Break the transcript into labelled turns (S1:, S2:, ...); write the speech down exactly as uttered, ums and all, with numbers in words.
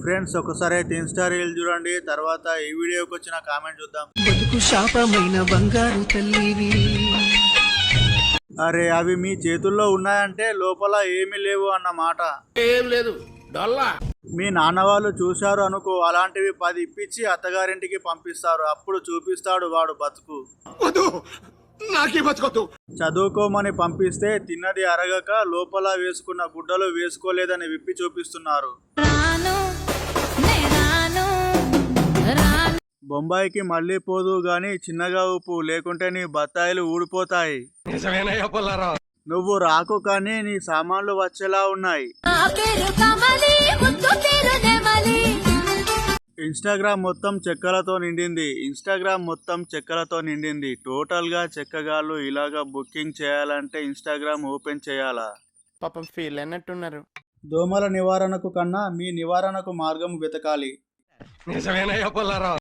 S1: Friends ఒకసారి అయితే Insta reel చూడండి, తర్వాత ఈ వీడియోకి వచ్చిన కామెంట్ చూద్దాం.
S2: బతుకు శాపమైన బంగారు తల్లివి.
S1: అరే అవి మీ చేతుల్లో ఉన్నాయంటే లోపల ఏమీ లేవు అన్నమాట.
S3: ఏం లేదు డొల్లా.
S1: మీ నాన్న వాళ్ళు చూశారు అనుకో, అలాంటివి పది ఇప్పించి అత్తగారింటికి పంపిస్తారు. అప్పుడు చూపిస్తాడు వాడు బతుకు.
S3: నాకే బతుకొద్దు.
S1: చదువుకోమని పంపిస్తే తిన్నది అరగక లోపల వేసుకున్న గుడ్డలు వేసుకోలేదని విప్పి చూపిస్తున్నారు. బొంబాయికి మళ్ళీ పోదు గాని చిన్నగా ఉప్పు, లేకుంటే నీ బత్తాయిలు ఊడిపోతాయి. నువ్వు రాకు కానీ నీ సామాన్లు వచ్చేలా ఉన్నాయి. ఇన్స్టాగ్రామ్ మొత్తం చెక్కలతో నిండింది. ఇన్స్టాగ్రామ్ మొత్తం చెక్కలతో నిండింది. టోటల్ గా చెక్కగాళ్ళు ఇలాగా బుకింగ్ చేయాలంటే ఇన్స్టాగ్రామ్ ఓపెన్ చేయాలా?
S4: పాపం ఫీల్ అన్నట్టున్నారు.
S1: దోమల నివారణకు కన్నా మీ నివారణకు మార్గం వెతకాలి.
S3: నిజమేనయ్యా పుల్లారావు.